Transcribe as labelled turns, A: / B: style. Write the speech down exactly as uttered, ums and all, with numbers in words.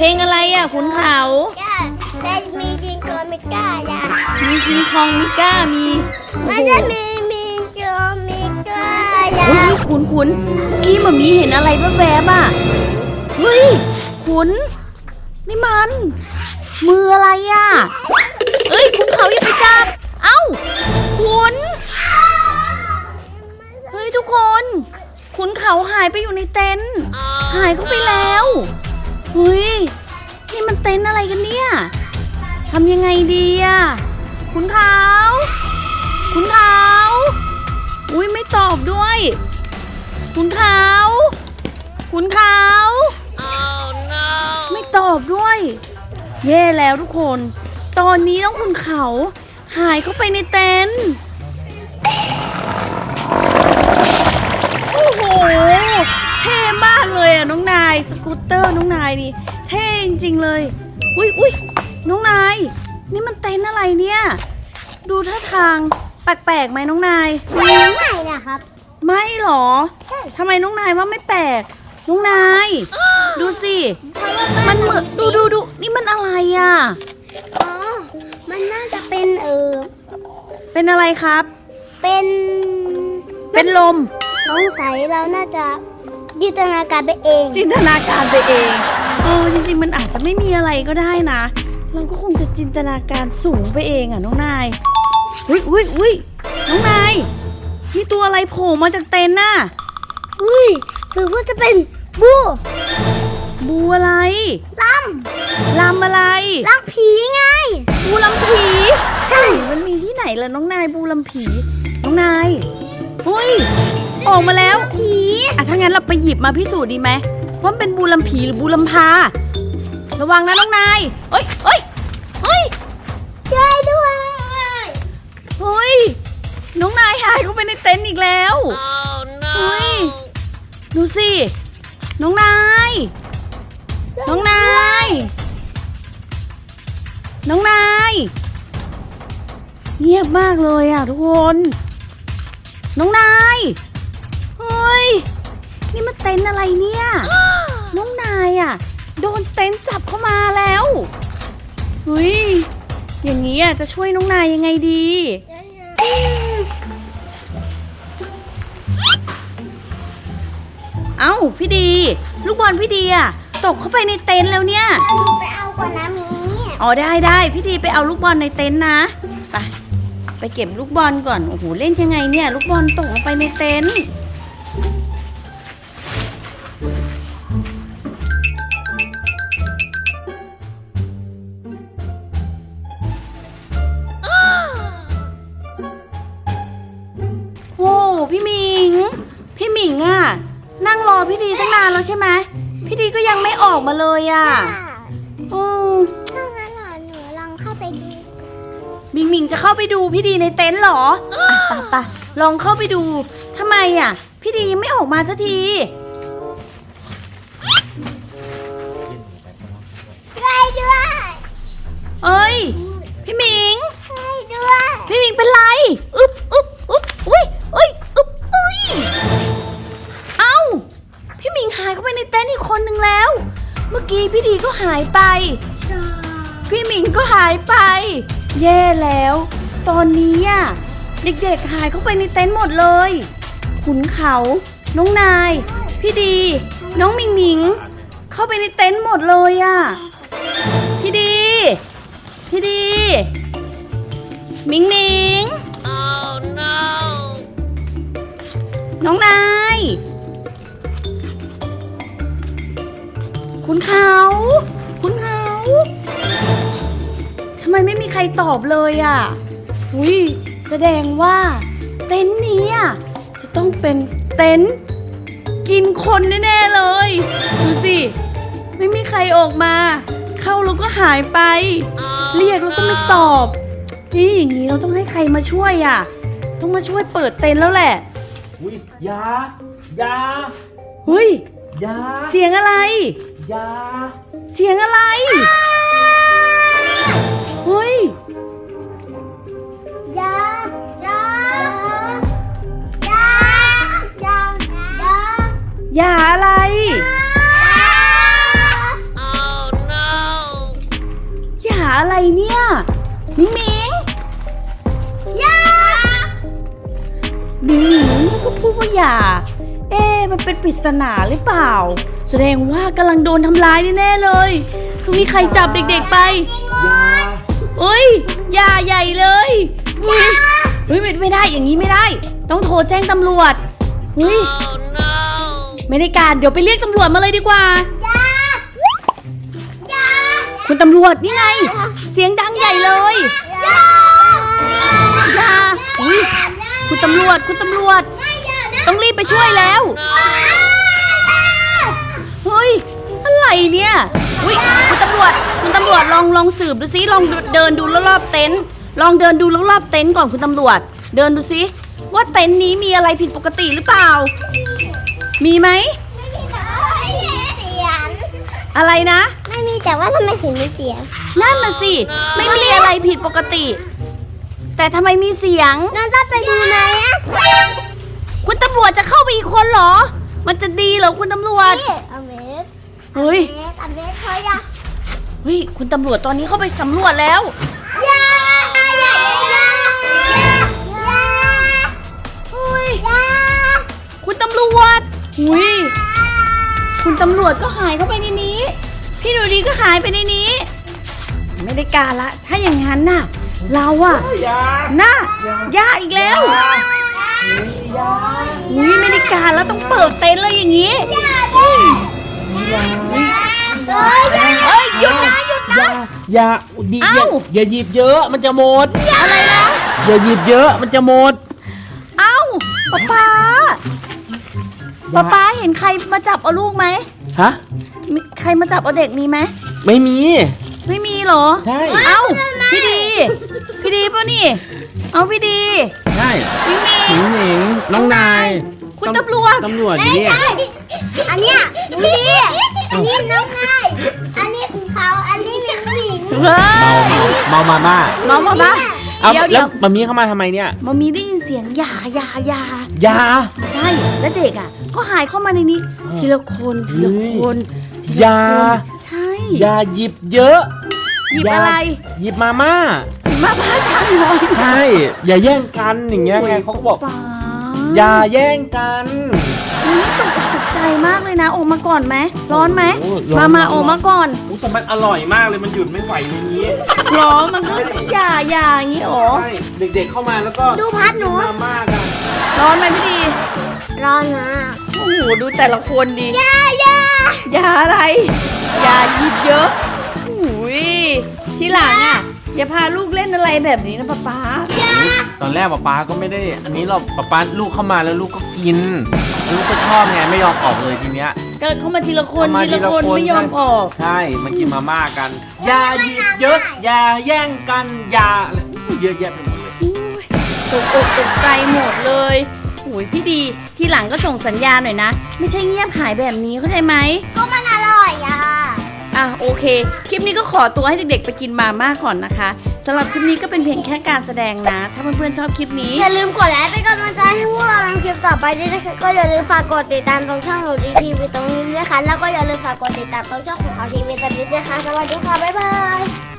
A: เพลงอะไรอ่ะขุนเขา
B: จะมีจิงโกมิก้าจ้ะ
A: มีคิงคองมิก้ามี
B: มันจะมีมีโจมิก้าจ้ะ
A: เฮ้ยขุนขุนกี้มันมีเห็นอะไรแวบๆอ่ะเฮ้ยขุนนี่มันมืออะไรอ่ะเอ้ยขุนเขาอย่าไปจับเอ้าขุนเฮ้ยทุกคนขุนเขาหายไปอยู่ในเต็นท์หายเข้าไปแล้วเฮ้ยนี่มันเต็นท์อะไรกันเนี่ยทำยังไงดีอ่ะขุนเขาขุนเขาอุ้ยไม่ตอบด้วยขุนเขาขุนเขา oh, no. ไม่ตอบด้วยแย่แล้วทุกคนตอนนี้น้องขุนเขาหายเข้าไปในเต็นท์โอ้โหเท่มากเลยอ่ะน้องนายสกูตเตอร์น้องนายนี่เท่จริงๆเลยอุ้ยอุ้ยน้องนายนี่มันเต็นท์อะไรเนี่ยดูท่าทางแปลกๆไหมน้องนาย
B: ไม่นะครับ
A: ไม่หรอทำไมน้องนายว่าไม่แปลกน้องนายดูสิมันเหมือนดูดูดูนี่มันอะไรอ่ะ
B: อ๋อมันน่าจะเป็นเออ
A: เป็นอะไรครับ
B: เป็น
A: เป็นลม
B: สงสัยเราน่าจะจินตนาการไปเอง
A: จินตนาการไปเองเออจริงๆมันอาจจะไม่มีอะไรก็ได้นะเราก็คงจะจินตนาการสูงไปเองอ่ะน้องนายอุ้ยอุ้ยอุ้ยน้องนายนี่ตัวอะไรโผล่มาจากเต็นท์น่ะ
B: อุ้ยหรือว่าจะเป็นบู
A: บูอะไร
B: ล
A: ำลำอะไร
B: ลำผีไง
A: บูลำผีใช่มันมีที่ไหนล่ะน้องนายบูลำผีน้องนายอุ้ยออกมาแล้ว
B: ผี
A: อ่ะถ้างั้นเราไปหยิบมาพิสูจน์ดีไหมว่าเป็นบูลำผีหรือบูลำพาระวังนะน้องนายเอ้ยเอ้ยเฮ้ย
B: ช่วยด้วย
A: เฮ้ยน้องนายหายเข้าไปในเต็นท์อีกแล้ว oh, no. เฮ้ยดูสิน้องนายน้องนายน้องนายเงียบมากเลยอ่ะทุกคนน้องนายเฮ้ยนี่มันเต็นท์อะไรเนี่ยน้องนายอ่ะโดนเต็นท์จับเข้ามาแล้วเฮ้ยอย่างนี้อ่ะจะช่วยน้องนายยังไงดีเอ้าพี่ดีลูกบอลพี่ดีอ่ะตกเข้าไปในเต็นท์แล้วเนี่ย
B: ไปเอาก่อนนะมี
A: อ๋อได้ได้พี่ดีไปเอาลูกบอลในเต็นท์นะไปไปเก็บลูกบอลก่อนโอ้โหเล่นยังไงเนี่ยลูกบอลตกลงไปในเต็นท์โอ้พี่หมิงพี่หมิงอ่ะนั่งรอพี่ดีตั้งนานแล้วใช่ไหมพี่ดีก็ยังไม่ออกมาเลยอ่ะอือ
B: ถ้างั้นหนูลองเข้าไปดู
A: หมิงหมิงจะเข้าไปดูพี่ดีในเต็นท์เหรออ่ะปะปะลองเข้าไปดูทำไมอ่ะพี่ดียังไม่ออกมาสักที
B: ช่วยด้วย
A: เอ้ยพี่หมิง
B: ช่วยด้วย
A: พี่หมิงเป็นไรอึ๊บอึ๊บอึ๊บอุ้ยอุ้ยอึ๊บอุ้ยเอ้าพี่หมิงหายเข้าไปในเต็นท์อีกคนนึงแล้วเมื่อกี้พี่ดีก็หายไปพี่หมิงก็หายไปแย่แล้วตอนนี้อ่ะเด็กๆหายเข้าไปในเต็นท์หมดเลยขุนเขาน้องนายพี่ดีน้องหมิงหมิงเข้าไปในเต็นท์หมดเลยอ่ะพี่ดีพี่ดีหมิงหมิง oh, no. น้องนายขุนเขาขุนเขาทำไมไม่มีใครตอบเลยอ่ะอุ้ยแสดงว่าเต็นท์นี้อ่ะจะต้องเป็นเต็นท์กินคนแน่ๆเลยดูสิไม่มีใครออกมาเข้าแล้วก็หายไปเรียกแล้วก็ไม่ตอบนี่อย่างนี้เราต้องให้ใครมาช่วยอ่ะต้องมาช่วยเปิดเต็นท์แล้วแหละ
C: อุ้ยยายา
A: เฮ้ย
C: ยา
A: เสียงอะไร
C: ยา
A: เสียงอะไรเฮ้ย
B: ยายายายายายา
A: อย่าอะไร
B: oh, no.
A: มิงมิง
B: ยา
A: มิงมิงก็พูดว่าอย่า เอ๊ะมันเป็นปริศนาหรือเปล่า แสดงว่ากำลังโดนทำร้ายแน่ๆเลยต้องมีใครจับเด็กๆไป
C: ยา
A: เอ้ยอย่าใหญ่เลยเฮ้ยเฮ้ยไม่ไม่ได้อย่างนี้ไม่ได้ ต้องโทรแจ้งตำรวจเฮ้ยไม่ได้การเดี๋ยวไปเรียกตำรวจมาเลยดีกว่า
B: ยา ยา
A: คุณตำรวจนี่ไง เสียงดังใหญ่เลย
B: ยา
A: อย่าอุ้ยคุณตำรวจคุณตำรวจ
B: ไม่ยานะ
A: ต้องรีบไปช่วยแล้ว เฮ้ย อะไรเนี่ยอุ้ยคุณตำรวจ คุณตำรวจลองลองสืบดูซิ ลองเดินดูรอบๆเต็นท์ ลองเดินดูรอบๆเต็นท์ก่อนคุณตำรวจ เดินดูซิว่าเต็นท์นี้มีอะไรผิดปกติหรือเปล่า มีไหม
B: ไม่มีแต่ว่าไม่มีเสียง
A: อะไรนะ
B: ไม่มีแต่ว่าทำไมถึงมีเสียง
A: นั่นน่ะสิ ไม่มีอะไรผิดปกติ แต่ทำไมมีเสียง
B: น้องต้องไปดูไหมอะ
A: คุณตำรวจจะเข้าไปอีกคนเหรอ มันจะดีเหรอคุณตำรวจ
B: นี่อเมส
A: เฮ้ย
B: เมสอเมสเขาอยาก
A: เฮ้ย คุณตำรวจตอนนี้เข้าไปสำรวจแล้ว
B: ยา ยา ยา ยา
A: เฮ้ย
B: ยา
A: คุณตำรวจหุยคุณตำรวจก็หายเข้าไปในนี้ พี่ดูดีก็หายไปในนี้ ไม่ได้การละ ถ้าอย่างนั้นน่ะ เราอะ
C: ยา
A: น่ะย่าอีกแล้ว
C: ยา
A: หุยไม่ได้การแล้วต้องเปิดเต็นท์เลยอย่างนี้
C: ยา
A: เฮ้ยหยุดนะหยุดนะ
C: ยาดีอย่า
A: เอ้า
C: อย่าหยิบเยอะมันจะหมด
A: อะไรนะ
C: อย่าหยิบเยอะมันจะหมด
A: เอ้าป๊าป๊าป๊าป๊าเห็นใครมาจับเอาลูกไหม
C: ฮะ
A: มีใครมาจับเอาเด็กมีไหม
C: ไม่มี
A: ไม่มีเหรอ
C: ใช่
A: เอ้าพี่ดี พี่ดีป่ะนี่ เอาพี่ดี
C: ใช่
A: มิงมิ
C: หนิ
A: ง
C: งหนิงน้องนาย
A: คุณตำรวจ
C: ตำรวจนี่
B: อันเนี้ยนี่อันนี้น้องนายอันนี้คุณเขาอันนี้หมิงหมิง
A: เฮ้ย
C: เมามาม่า
A: น้องมาปะ
C: เอา
A: เดี๋ยว
C: แล้
A: เดี๋ยว ว
C: มามีเข้ามาทำไมเนี่ย
A: มามีได้ยินเสียงยายายาย
C: า
A: ใช่ แล้วเด็กอ่ะ ก็หายเข้ามาในนี้ ทีละคนทีละคนทีละ
C: ยา
A: คนใช่
C: อย่าหยิบเยอะ
A: หยิบอะไร
C: หยิบมาม่า
A: มาบ้าช้างน้อย
C: ใช่ อย่าแย่งกันอย่างเงี้ยไงเขาก็บอก
A: ป๊า
C: อย่าแย่งกัน
A: อุ๊ยตกตกใจมากเลยนะออกมาก่อนไหมร้อนไหม
C: โอ้ร้อน
A: มามา
C: ร้อน
A: ออกมาก่อน
C: อุ๊ยแต่มันอร่อยมากเลยมันหยุดไม่ไหวในนี้
A: ร้อนมันก็อย่าอย่าอย่างงี้หรอ
C: ใช่เด็กๆเข้ามาแล้วก็
B: ดูพัดหนู
C: มาม่ากัน
A: ร้อนไหมพี่ดี
B: ร้อนมาก
A: โอ้โหดูแต่ละคนดี
B: ยายา
A: อย่าอะไร อย่าหยิบเยอะอุ้ยทีหลังอ่ะ อย่าพาลูกเล่นอะไรแบบนี้นะป๊าป๊า
C: ตอนแรกป๊าป๊าก็ไม่ได้ อันนี้เราป๊าป๊าลูกเข้ามาแล้วลูกก็กิน ลูกก็ชอบไงไม่ยอมออกเลยทีเนี้ย
A: ก็เข้ามาทีละคน
C: เข้ามา
A: ทีละคน
C: ทีละคน
A: ไม่ยอมออก
C: ใช่มากินมาม่ากัน อย่าหยิบเยอะ อย่าแย่งกันอย่าอะไรเยอะแยะไปหมดเลย
A: ตกอกตกใจหมดเลยโอ้ยพี่ดี ทีหลังก็ส่งสัญญาณหน่อยนะ ไม่ใช่เงียบหายแบบนี้เข้าใจไหม
B: ก็มันอร่อยอ่ะ
A: อ่ะโอเค คลิปนี้ก็ขอตัวให้เด็กๆไปกินมาม่าก่อนนะคะสำหรับคลิปนี้ก็เป็นเพียงแค่การแสดงนะ ถ้าเพื่อนๆชอบคลิปนี้
B: อย่าลืมกดไลค์เป็นกำลังใจให้พวกเราทำคลิปต่อไปด้วยนะคะก็อย่าลืมฝากกดติดตามตรงช่องหนูดีทีวีตรงนี้ด้วยค่ะแล้วก็อย่าลืมฝากกดติดตามตรงช่องของเขาทีวีตรงนี้ด้วยค่ะสวัสดีค่ะบ๊ายบาย